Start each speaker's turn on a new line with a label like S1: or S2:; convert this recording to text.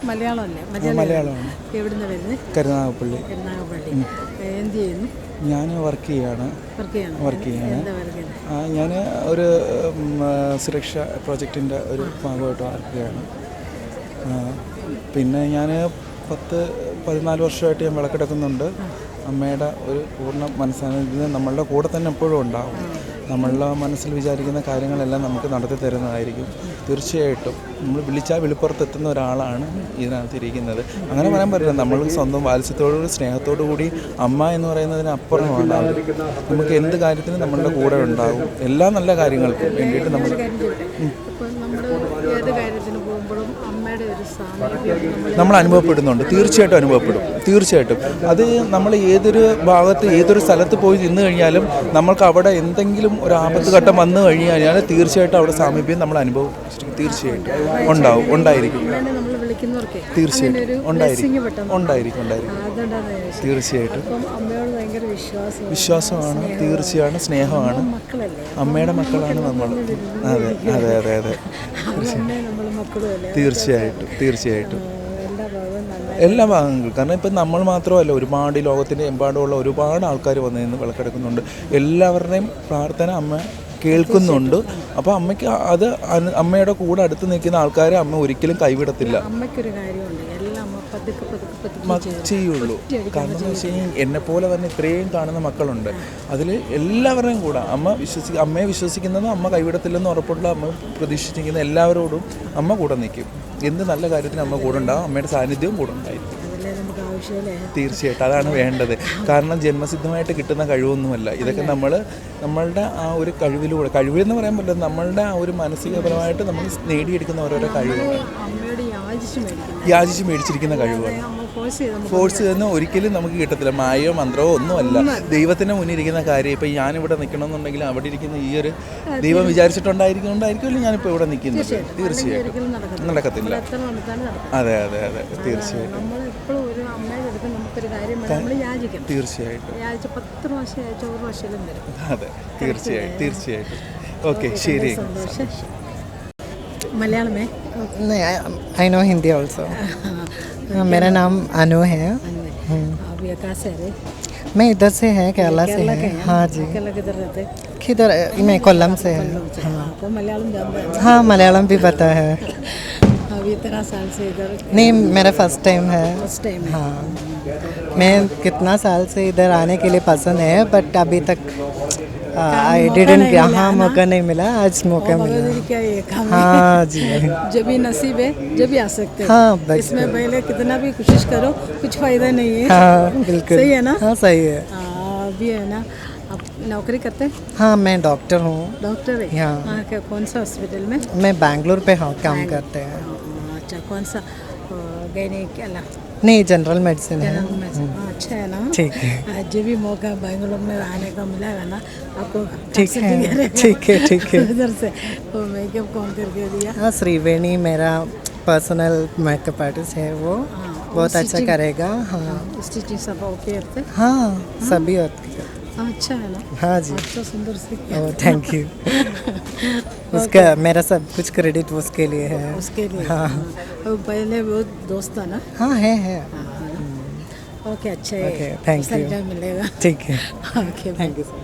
S1: മലയാളമല്ലേ?
S2: മലയാളമാണ്.
S1: എവിടുന്ന് വരുന്നത്?
S2: കരുനാഗപ്പള്ളി.
S1: എന്ത് ചെയ്യുന്നു?
S2: ഞാൻ വർക്ക് ചെയ്യാണ്. ഞാൻ ഒരു സുരക്ഷ പ്രോജക്റ്റിൻ്റെ ഒരു ഭാഗമായിട്ട് വർക്ക് ചെയ്യാണ്. പിന്നെ ഞാൻ 14 വർഷമായിട്ട് ഞാൻ വിളക്കെടുക്കുന്നുണ്ട്. അമ്മയുടെ ഒരു പൂർണ്ണ മനസ്സാന്നിധ്യം നമ്മളുടെ കൂടെ തന്നെ എപ്പോഴും ഉണ്ടാകും. നമ്മളുടെ മനസ്സിൽ വിചാരിക്കുന്ന കാര്യങ്ങളെല്ലാം നമുക്ക് നടത്തി തരുന്നതായിരിക്കും. തീർച്ചയായിട്ടും നമ്മൾ വിളിച്ചാൽ വെളിപ്പുറത്തെത്തുന്ന ഒരാളാണ് ഇതിനകത്തിരിക്കുന്നത്. അങ്ങനെ പറയാൻ പറ്റില്ല. നമ്മൾ സ്വന്തം വാത്സല്യത്തോടുകൂടി സ്നേഹത്തോടു കൂടി അമ്മ എന്ന് പറയുന്നതിന് അപ്പുറമാണ്. നമുക്ക് എന്ത് കാര്യത്തിനും നമ്മളുടെ കൂടെ ഉണ്ടാകും. എല്ലാ നല്ല കാര്യങ്ങൾക്കും വേണ്ടിയിട്ട് നമ്മൾ അനുഭവപ്പെടുന്നുണ്ട്. തീർച്ചയായിട്ടും അത് നമ്മൾ ഏതൊരു ഭാഗത്ത് ഏതൊരു സ്ഥലത്ത് പോയി നിന്ന് കഴിഞ്ഞാലും നമ്മൾക്ക് അവിടെ എന്തെങ്കിലും ഒരു ആപത്ത് ഘട്ടം വന്നു കഴിഞ്ഞാൽ തീർച്ചയായിട്ടും അവിടെ സാമീപ്യം നമ്മൾ അനുഭവിച്ചിരിക്കും. തീർച്ചയായിട്ടും ഉണ്ടായിരിക്കും. തീർച്ചയായിട്ടും ഉണ്ടായിരിക്കും. തീർച്ചയായിട്ടും വിശ്വാസമാണ്. തീർച്ചയാണ് സ്നേഹമാണ്. അമ്മയുടെ മക്കളാണ് നമ്മൾ. അതെ തീർച്ചയായിട്ടും എല്ലാ ഭാഗങ്ങളും. കാരണം ഇപ്പം നമ്മൾ മാത്രമല്ല, ഒരുപാട് ലോകത്തിൻ്റെ എമ്പാടുമുള്ള ഒരുപാട് ആൾക്കാർ വന്ന് നിന്ന് വിളക്കെടുക്കുന്നുണ്ട്. എല്ലാവരുടെയും പ്രാർത്ഥന അമ്മ കേൾക്കുന്നുണ്ട്. അപ്പോൾ അമ്മയ്ക്ക് അത് അമ്മയുടെ കൂടെ അടുത്ത് നിൽക്കുന്ന ആൾക്കാരെ അമ്മ ഒരിക്കലും കൈവിടത്തില്ല. ചെയ്യുള്ളൂ. കാരണം എന്ന് വെച്ച് കഴിഞ്ഞാൽ എന്നെപ്പോലെ തന്നെ ഇത്രയും കാണുന്ന മക്കളുണ്ട്. അതിൽ എല്ലാവരുടെയും കൂടെ അമ്മയെ വിശ്വസിക്കുന്നത് അമ്മ കൈവിടത്തില്ലെന്ന് ഉറപ്പുള്ള അമ്മ പ്രതീക്ഷിച്ചിരിക്കുന്ന എല്ലാവരോടും അമ്മ കൂടെ നിൽക്കും. എന്ത് നല്ല കാര്യത്തിന് അമ്മ കൂടെ ഉണ്ടാകും. അമ്മയുടെ സാന്നിധ്യവും കൂടെ ഉണ്ടായിരിക്കും. തീർച്ചയായിട്ടും അതാണ് വേണ്ടത്. കാരണം ജന്മസിദ്ധമായിട്ട് കിട്ടുന്ന കഴിവൊന്നുമല്ല ഇതൊക്കെ. നമ്മളുടെ ആ ഒരു കഴിവിലൂടെ, കഴിവെന്ന് പറയാൻ പറ്റില്ല, നമ്മളുടെ ആ ഒരു മാനസികപരമായിട്ട് നമ്മൾ നേടിയെടുക്കുന്ന ഓരോരോ കഴിവുകൾ, യാചിച്ച് മേടിച്ചിരിക്കുന്ന കഴിവുകൾ. ഫോഴ്സ് ചെയ്യുന്ന ഒരിക്കലും നമുക്ക് കിട്ടത്തില്ല. മായയോ മന്ത്രമോ ഒന്നുമല്ല. ദൈവത്തിൻ്റെ മുന്നിൽ ഇരിക്കുന്ന കാര്യം. ഇപ്പം ഞാനിവിടെ നിൽക്കണമെന്നുണ്ടെങ്കിൽ അവിടെ ഇരിക്കുന്ന ഈ ഒരു ദൈവം വിചാരിച്ചിട്ടുണ്ടായിരിക്കുമല്ലോ ഞാനിപ്പോൾ ഇവിടെ നിൽക്കുന്നത്. തീർച്ചയായിട്ടും നടക്കത്തില്ല. അതെ തീർച്ചയായിട്ടും. തീർച്ചയായിട്ടും അതെ തീർച്ചയായിട്ടും. ഓക്കെ ശരി.
S1: मलयालम में
S3: नहीं, आई नो हिंदी ऑल्सो. मेरा नाम अनु है.
S1: आप ये कहाँ से है?
S3: मैं इधर से है, केरला से है. हाँ जी.
S1: किधर रहते?
S3: किधर? मैं कोल्लम से है.
S1: आपको मलयालम जानते हैं?
S3: हाँ मलयालम भी पता है.
S1: अभी इतना साल से इधर?
S3: नहीं, मेरा फर्स्ट टाइम है. हाँ, मैं कितना साल से इधर आने के लिए पसंद है, बट अभी तक आई डिडंट. हाँ मौका नहीं मिला. आज मौका मिला.
S1: क्या ये काम?
S3: हाँ जी.
S1: जब भी नसीब है जब भी आ सकते हैं.
S3: हाँ,
S1: इसमें पहले कितना भी कोशिश करो कुछ फायदा नहीं है.
S3: हाँ बिल्कुल
S1: सही है ना?
S3: हाँ सही है.
S1: अभी है ना, आप नौकरी करते हैं?
S3: हाँ मैं डॉक्टर हूँ.
S1: डॉक्टर है?
S3: हाँ.
S1: कौन सा हॉस्पिटल में?
S3: मैं बैंगलोर पे काम करते हैं.
S1: अच्छा, कौन सा? गैनिक अला?
S3: नहीं, जनरल मेडिसिन है.
S1: अच्छा है ना?
S3: ठीक है.
S1: जब भी मौका बेंगलोर में आने का मिलेगा ना आपको.
S3: ठीक है.
S1: उधर से वो मेकअप कौन करके दिया?
S3: हाँ, श्रीवेणी मेरा पर्सनल मेकअप आर्टिस्ट है. वो बहुत अच्छा करेगा. हाँ
S1: स्टिचिंग सब ओके होते?
S3: हाँ सभी होते.
S1: अच्छा है ना?
S3: हाँ जी.
S1: अच्छा सुंदर से.
S3: Thank you. उसका मेरा सब कुछ क्रेडिट उसके लिए है.
S1: उसके लिए?
S3: हाँ.
S1: पहले वो दोस्त था ना?
S3: हाँ है.
S1: ओके अच्छा है.
S3: Okay thank you.
S1: मिलेगा.
S3: ठीक है.
S1: Okay
S3: thank you.